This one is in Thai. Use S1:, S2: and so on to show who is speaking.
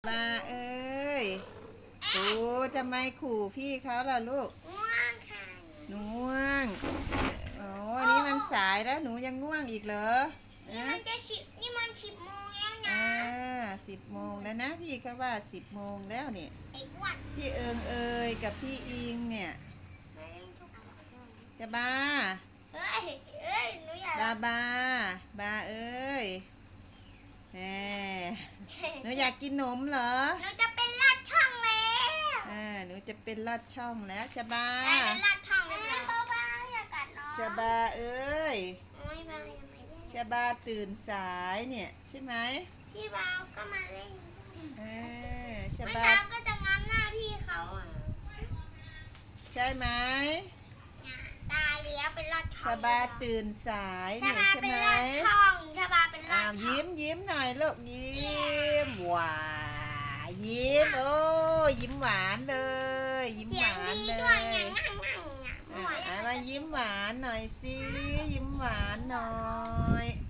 S1: มาเอ้ยตูทำไมขู่พี่เขาล่ะลูก
S2: ง่วงค่ะ
S1: หนูง่วงโอ้นี่มันสายแล้วหนูยังง่วงอีกเหรอ
S2: นี่มัน10 โมงแล้วนะ
S1: 10 โมงแล้วนะพี่เขาว่า10 โมงแล้วเนี่ย
S2: ไอ้อ้วน
S1: พี่เอิงกับพี่อิงเนี่ยจะบ้า
S2: เอ้ยหนูอยาก
S1: บาเอ้ยแหมหนูอยากกินนมเหรอ
S2: หนูจะเป็นลอดช่องแล้ว
S1: หนูจะเป็นลอดช่องแล้วจะบ้า
S2: เป็นลอดช่องแล้วบ้าอยากกัดน้อง
S1: จะบ้าเอ้ย
S2: ไม่บ้า
S1: จะบ้าตื่นสายเนี่ยใช่ไหม
S2: พี่บ้าก็มาเล่น
S1: เมื่
S2: อเช้าก็จะง้ำหน้าพี่เขา
S1: ใช่ไหม
S2: ตายแล้วเป็นลอดช่อง
S1: ชบาตื่นสายเนี่ยใช่ไหม
S2: ชบาเป็นลอดช่อง
S1: ยิ้มหน่อยลูกยิ้มหวานยิ้มโอ้ยิ้มหวานเลยยิ้มหวานเลยมายิ้มหวานหน่อยสิยิ้มหวานหน่อย